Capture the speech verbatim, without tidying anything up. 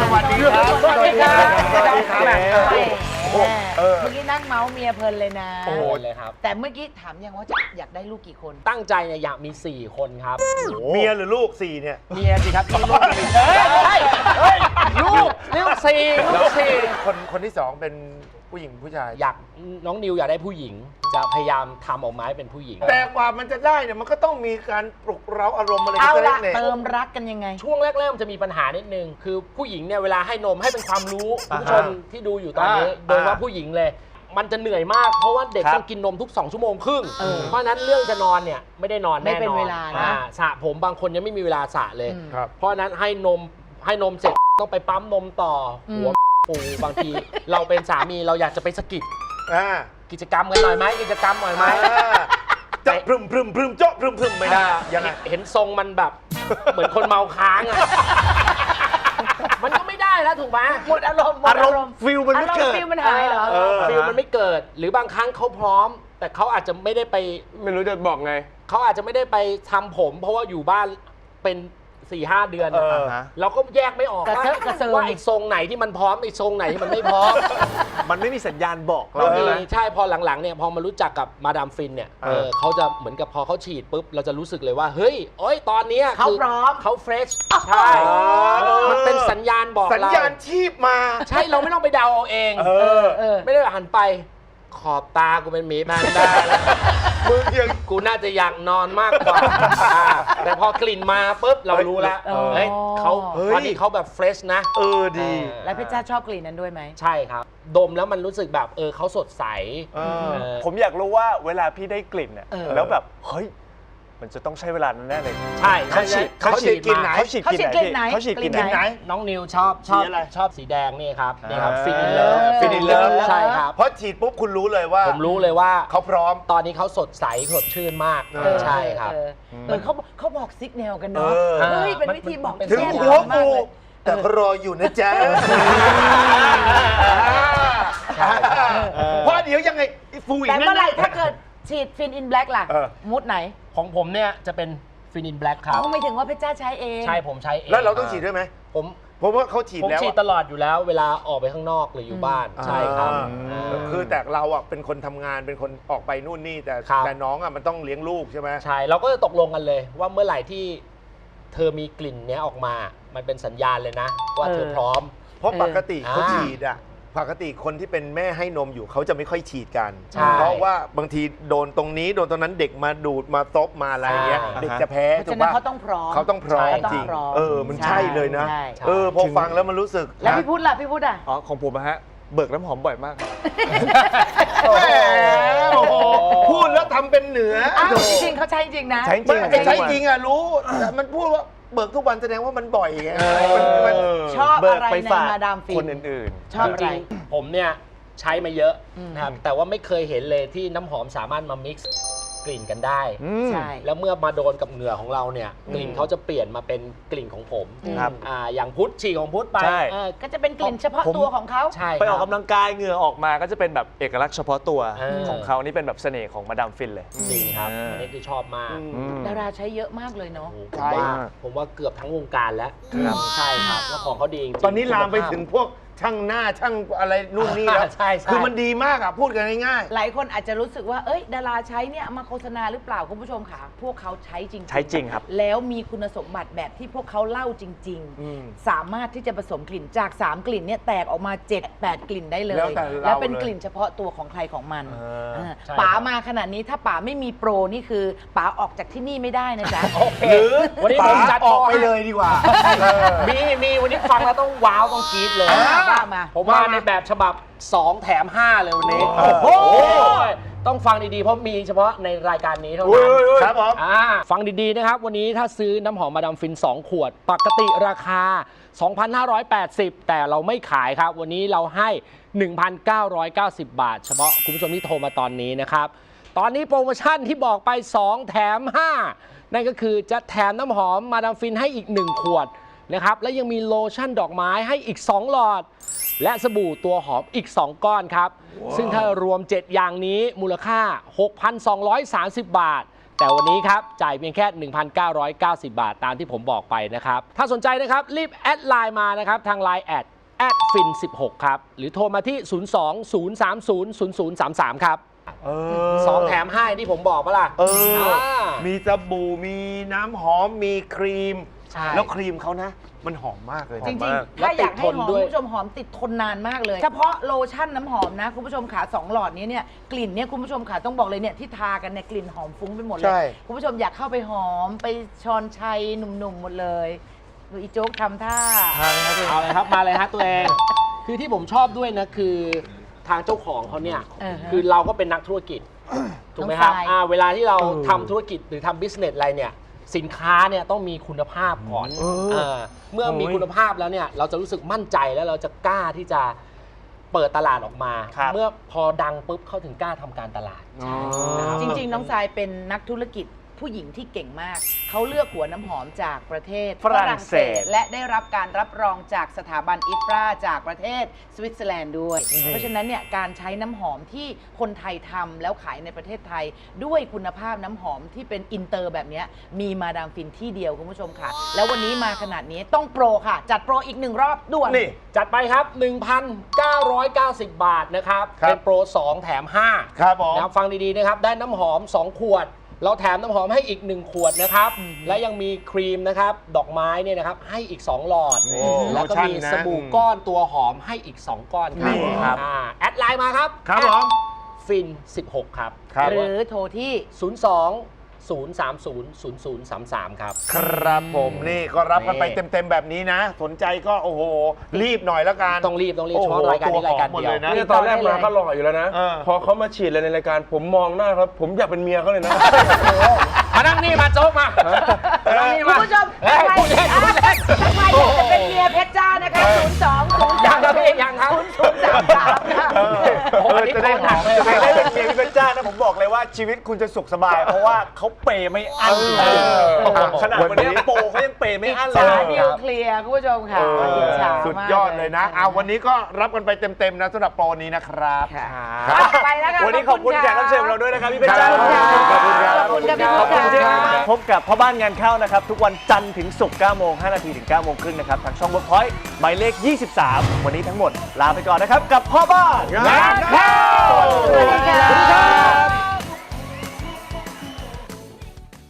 วัสดีครับสวัสดีครับสวัสดีครับเมื่อกี้นั่งเมาส์เมียเพลินเลยนะโอ้เลยครับแต่เมื่อกี้ถามยังว่าจะอยากได้ลูกกี่คนตั้งใจเนี่ยอยากมี สี่ คนครับเมียหรือลูกสี่เนี่ยเมียสิครับมีลูกมีเฮ้ยใช่เฮ้ยลูกลูกสี่ลูกสี่คนคนที่สองเป็นผู้หญิงผู้ชายอยากน้องนิวอยากได้ผู้หญิง จะพยายามทำออกมาให้เป็นผู้หญิงแต่กว่ามันจะได้เนี่ยมันก็ต้องมีการปลุกเร้าอารมณ์อะไรเอากันละเนี่ยเติมรักกันยังไงช่วงแรกๆมันจะมีปัญหานิดนึง คือผู้หญิงเนี่ยเวลาให้นมให้เป็นความรู้คุณผู้ชมที่ดูอยู่ตอนนี้อ่าโดยเฉพาะผู้หญิงเลย มันจะเหนื่อยมาก เพราะว่าเด็กต้องกินนมทุก สอง ชั่วโมงครึ่งเออเพราะฉะนั้นเรื่องจะนอนเนี่ยไม่ได้นอนแน่นอนไม่เป็นเวลานะอ่สระผมบางคนยังไม่มีเวลาสระเลยอืมครับเพราะฉะนั้นให้นมให้นมเสร็จต้องไปปั๊มนมต่ออมหัวปูบางที เราเป็นสามีเราอยากจะไปสกิดอ่ากิจกรรมกันหน่อยไหมกิจกรรมหน่อยไหมจะพรึมพรึมพรึมโจ๊ะพรึมพรึมไม่ได้ยังไงเห็นทรงมันแบบ เหมือนคนเมาค้างอ่ะ มันก็ไม่ได้แล้วถูกไหมหมดอารมณ์หมดอารมณ์ฟิลมันไม่เกิดอารมณ์ฟิลมันหายเหรอเออฟิลมันไม่เกิด หรือบางครั้งเขาพร้อม แต่เขาอาจจะไม่ได้ไปไม่รู้จะบอกไงเขาอาจจะไม่ได้ไปทำผม เพราะว่าอยู่บ้านเป็นสี่ห้าเดือนเอออะเราก็แยกไม่ออกกระเทอะกระเซิงว่าไอ้ทรงไหนที่มันพร้อมไอ้ทรงไหนที่มันไม่พร้อมมันไม่มีสัญญาณบอกเราเรามีใช่ไหมใช่พอหลังๆเนี่ยพอมารู้จักกับมาดามฟินเนี่ยเออเออเขาจะเหมือนกับพอเขาฉีดปุ๊บเราจะรู้สึกเลยว่าเฮ้ยโอ้ยตอนเนี้ยเขาคืพร้อมเขาเฟรชใช่เออมันเป็นสัญญาณบอกสัญเราญาณชีพมาใช่เราไม่ต้องไปเดาเอาเองเออเออไม่ได้หันไปขอบตากูเป็นหมีแพนด้าแล้วมึงยังกูน่าจะอยากนอนมากกว่าอ่าแต่พอกลิ่นมาปุ๊บเรารู้แล้วเออเฮ้ยเขาเฮ้ยตอนนี้เขาแบบเฟรชนะเออดีแล้วเพชรจ้าชอบกลิ่นนั้นด้วยไหมใช่ครับ ดมแล้วมันรู้สึกแบบเออเขาสดใสเออเออผมอยากรู้ว่าเวลาพี่ได้กลิ่นเนี่ยเออแล้วแบบเฮ้ยมันจะต้องใช้เวลาแน่เลยใช่เขาฉีดเขาฉีดกลิ่นไหนเขาฉีดเขาฉีดกลิ่นไหนเขาฉีดกลิ่นกลิ่นไหไหนนน้องนิวชอบชอบสีอะไรชอบสีแดงนี่ครับนี่ครับอ่าฟินอินเลิฟ Fin in Love ใช่ครับเพราะฉีดปุ๊บคุณรู้เลยว่าผมรู้เลยว่าเขาพร้อมตอนนี้เขาสดใสสดชื่นมากเออใช่ครับเออเออเขาเขาบอกซิกแนวกันเนาะเออเฮ้ยเป็นวิธีบอกมันถึงแยกหัวมากกูเลยแต่ก็รออยู่นะจ๊ะใช่ครับเพราะเดี๋ยวยังไงฟูอีกแต่นั่เมื่อไหร่นถ้าเกิดฉีดฟินอินแบล็กล่ะเออมูดไหนของผมเนี่ยจะเป็นฟินินแบล็กครับเขาไม่ถึงว่าเพชรจ้าใช้เองใช่ผมใช้เองแล้วเราต้องฉีดด้วยไหมผมเพราะว่าเขาฉีดผมแล้วฉีดอะตลอดอยู่แล้ว เวลาออกไปข้างนอกหรืออยู่บ้านอ่าใช่ครับอ่าอ่าคือแต่เราอ่ะเป็นคนทำงานเป็นคนออกไปนู่นนี่แต่ครับแต่น้องอ่ะมันต้องเลี้ยงลูกใช่ไหมใช่เราก็จะตกลงกันเลย ว่าเมื่อไหร่ที่เธอมีกลิ่นเนี้ยออกมา มันเป็นสัญญาณเลยนะ ว่าเธอพร้อมเพราะปกติเออเขาฉีดอ่ะปกติคนที่เป็นแม่ให้นมอยู่เขาจะไม่ค่อยฉีดกันใช่เพราะว่าบางทีโดนตรงนี้โดนตรงนั้นเด็กมาดูดมาซบมาอะไรอย่างเงี้ยใช่เด็กจะแพ้เพราะถูฉะกนั้นปะเขาต้องพร้อมเขาต้องพร้อมใช่จริงเขาต้องพร้อมเออมันใช่เลยนะใช่เออพอฟังแล้วมันรู้สึกแล้วนะพี่พุทธล่ะพี่พุทธอ่ะอ๋อของผมอะฮะเบิกน้ำหอมบ่อยมากครับแหมโอ้โหพูดแล้วทำเป็นเหนืออ้าวจริงๆเขาใช้จริงนะใช้จริงไม่ใช่จริงอ่ะรู้แต่มันพูดว่าเบิกทุกวันแสดงว่ามันบ่อยไงมันมันชอบเบิอะกไรไปในฝากมาดามฟินคนอื่นชอบจอะไรริงๆผมเนี่ยใช้มาเยอะอืมนะครับ แต่ว่าไม่เคยเห็นเลยที่น้ำหอมสามารถมา mix กลิ่นกันได้ๆอืมใช่แล้วเมื่อมาโดนกับเหงื่อของเราเนี่ยกลิ่นเขาจะเปลี่ยนมาเป็นกลิ่นของผมครับอ่าอย่างพุทธฉี่ของพุทธไปใช่เออก็จะเป็นกลิ่นเฉพาะผมตัวของเขาใช่ไปออกครับกำลังกายเหงื่อออกมาก็จะเป็นแบบเอกลักษณ์เฉพาะตัวเออของเขานี่เป็นแบบเสน่ห์ของมาดามฟินเลยจริงครับอ่าอันนี้คือชอบมากอืมดาราใช้เยอะมากเลยเนาะโอ้โหผใช่มว่าผมว่าเกือบทั้งวงการแล้วครับใช่ครับแล้วของเขาดีจริงๆตอนนี้ลามไปคุณภพถึงพวกช่างหน้าช่างอะไรนู่นนี่แล้วใช่ใช่คือมันดีมากอ่ะพูดกันง่ายหลายคนอาจจะรู้สึกว่า เอ้ย ดาราใช้เนี่ยเอามาโฆษณาหรือเปล่าคุณผู้ชมค่ะ พวกเขาใช้จริงๆใช้จริงครับแล้วมีคุณสมบัติแบบที่พวกเขาเล่าจริงอืมๆ สามารถที่จะผสมกลิ่นจาก สาม กลิ่นเนี่ยแตกออกมา เจ็ด แปด กลิ่นได้เลยแล้วแต่เราแล้วเป็นเลยกลิ่นเฉพาะตัวของใครของมันอ่าอ่าใช่ป๋าครับมาขนาดนี้ถ้าป๋าไม่มีโปรนี่คือป๋าออกจากที่นี่ไม่ได้นะจ๊ะโอเคหรือวันนี้ป๋าผมจัดออกโปรไปให้เลยดีกว่าเออมีมีวันนี้ฟังแล้วต้องว้าวต้องกรี๊ดเลยอ่าว่ามาผมมาในแบบฉบับ สอง แถม ห้า เลยวันนี้โอ้โหต้องฟังดีๆ เพราะมีเฉพาะในรายการนี้เท่าอุ้ยนั้นอุ้ยอุ้ยครับผมอ่าฟังดีๆนะครับ วันนี้ถ้าซื้อน้ำหอมมาดามฟิน สอง ขวด ปกติราคา สองพันห้าร้อยแปดสิบ แต่เราไม่ขายครับ วันนี้เราให้ หนึ่งพันเก้าร้อยเก้าสิบ บาท เฉพาะคุณผู้ชมที่โทรมาตอนนี้นะครับ ตอนนี้โปรโมชั่นที่บอกไป สอง แถม ห้า นั่นก็คือจะแถมน้ำหอมมาดามฟินให้อีก หนึ่ง ขวดนะครับ และยังมีโลชั่นดอกไม้ให้อีก สอง หลอด และสบู่ตัวหอมอีก สอง ก้อนครับ ซึ่งถ้ารวม เจ็ด อย่างนี้มูลค่า หกพันสองร้อยสามสิบ บาทแต่วันนี้ครับจ่ายเพียงแค่ หนึ่งพันเก้าร้อยเก้าสิบ บาทตามที่ผมบอกไปนะครับถ้าสนใจนะครับรีบแอดไลน์มานะครับทาง ไลน์ แอดแอดฟินสิบหกครับหรือโทรมาที่ ศูนย์ สอง ศูนย์ สาม ศูนย์ ศูนย์ ศูนย์ สาม สาม ครับเออสองแถมให้ที่ผมบอกปะล่ะเออามีสบู่มีน้ำหอมมีครีมใช่แล้วครีมเขานะ มันหอมมากเลยจนะริงๆ ถ้าอยากให้หอมคุณผู้ชมหอมติดทนนานมากเลย เฉพาะโลชั่นน้ำหอมนะคุณผู้ชมขาสองหลอดนี้เนี่ยกลิ่นเนี่ยคุณผู้ชมขาต้องบอกเลยเนี่ยที่ทากันเนี่ยกลิ่นหอมฟุ้งไปหมดเลใช่ยคุณผู้ชมอยากเข้าไปหอมไปชอนชัยหนุ่มๆหมดเลยดูอีโจ๊กทำท่าทานนะเอาเลยครับมาเลยฮะตัวเอง คือที่ผมชอบด้วยนะคือทางเจ้าของเขาเนี่ยเออฮะคือเราก็เป็นนักธุรกิจถูกไหมครับน้องทรายอ่าเวลาที่เราทำธุรกิจหรือทำบิสเนสอะไรเนี่ยสินค้าเนี่ยต้องมีคุณภาพก่อนเออเออเมื่อมีคุณภาพแล้วเนี่ยเราจะรู้สึกมั่นใจแล้วเราจะกล้าที่จะเปิดตลาดออกมาครับเมื่อพอดังปุ๊บเขาถึงกล้าทำการตลาดอ๋อจริงๆ น้องทรายเป็นนักธุรกิจผู้หญิงที่เก่งมาก เขาเลือกหัวน้ำหอมจากประเทศฝรั่งเศสและได้รับการรับรองจากสถาบันอิฟราจากประเทศสวิตเซอร์แลนด์ด้วย เพราะฉะนั้นเนี่ยการใช้น้ำหอมที่คนไทยทำแล้วขายในประเทศไทย ด้วยคุณภาพน้ำหอมที่เป็นอินเตอร์แบบเนี้ยมีมาดามฟินที่เดียวคุณผู้ชมค่ะ แล้ววันนี้มาขนาดนี้ต้องโปรค่ะ จัดโปรอีกหนึ่งรอบด่วนนี่จัดไปครับ หนึ่งพันเก้าร้อยเก้าสิบ บาทนะครับครับเป็นโปรสองแถมห้าครับผมนะครับฟังดีๆนะครับได้น้ำหอมสองขวด เราแถมน้ำหอมให้อีกหนึ่งขวดนะครับ และยังมีครีมนะครับดอกไม้เนี่ยนะครับให้อีกสองหลอดโอ้แล้วก็มีโลชั่นนะสบู่ก้อนตัวหอมให้อีกสองก้อนครับนี่ครับอ่าแอดไลน์มาครับครับผมฟินสิบหกครับครับหรือโทรที่ศูนย์ สอง ศูนย์ สาม ศูนย์ ศูนย์ ศูนย์ สาม สาม ครับครับผมนี่ก็รับกันไปนี่เต็มๆแบบนี้นะ สนใจก็โอ้โห รีบหน่อยแล้วกันต้องรีบต้องรีบโอ้เฉโหพาะรายการนี้รายการตัวหอมหมดเดียวเลยนะเนี่ยตอนแรกมาก็หล่ออยู่แล้วนะเออพอเขามาฉีดเลยในรายการผมมองหน้าครับ ผมอยากเป็นเมียเขาเลยนะมานั่งนี่มาโจ๊กมามานั่งนี่คุมาณผู้ชมเฮ้ยพูดเล่นพูดเล่นถ้าใครอยากจะเป็นเมียเพชรจ้านะคะศูนย์ สอง ศูนย์ยังสามครับพี่ยังครับศูนย์ สาม สามค่ะเออโอ้โหเออจะได้หอมอันนี้จะใครได้ได้เป็นเมียพี่เพชรจ้านะผมบอกเลยว่าชีวิตคุณจะสุขสบาย เพราะว่าเขาเปย์ไม่อั้นเออขนาดวันนี้โปรเขายังเปย์ไม่อั้นเลสาย นิวเคลียร์คุณผู้ชมค่ะเอออิจฉามากสุดยอดเลยนะเอาวันนี้ก็รับกันไปเต็มๆนะสำหรับโปรนี้นะครับค่ะครับไปแล้วค่ะวันนี้ขอบคุณแขกรับเชิญของเราด้วยนะครับพี่เพชรจ้าขอบคุณค่ะขอบคุณครับขอบคุณค่ะพี่ขอบคุณพุทธที่ค่ะพบกับพ่อบ้านงานเข้านะครับ ทุกวันจันทร์ถึงศุกร์เก้าโมงห้านาทีถึงเก้าโมงครึ่งนะครับ ทางช่อง Workpoint หมายเลข ยี่สิบสาม วันนี้ทั้งหมด ลาไปก่อนนะครับ กับพ่อบ้านงานเข้าสวัสดีค่ะ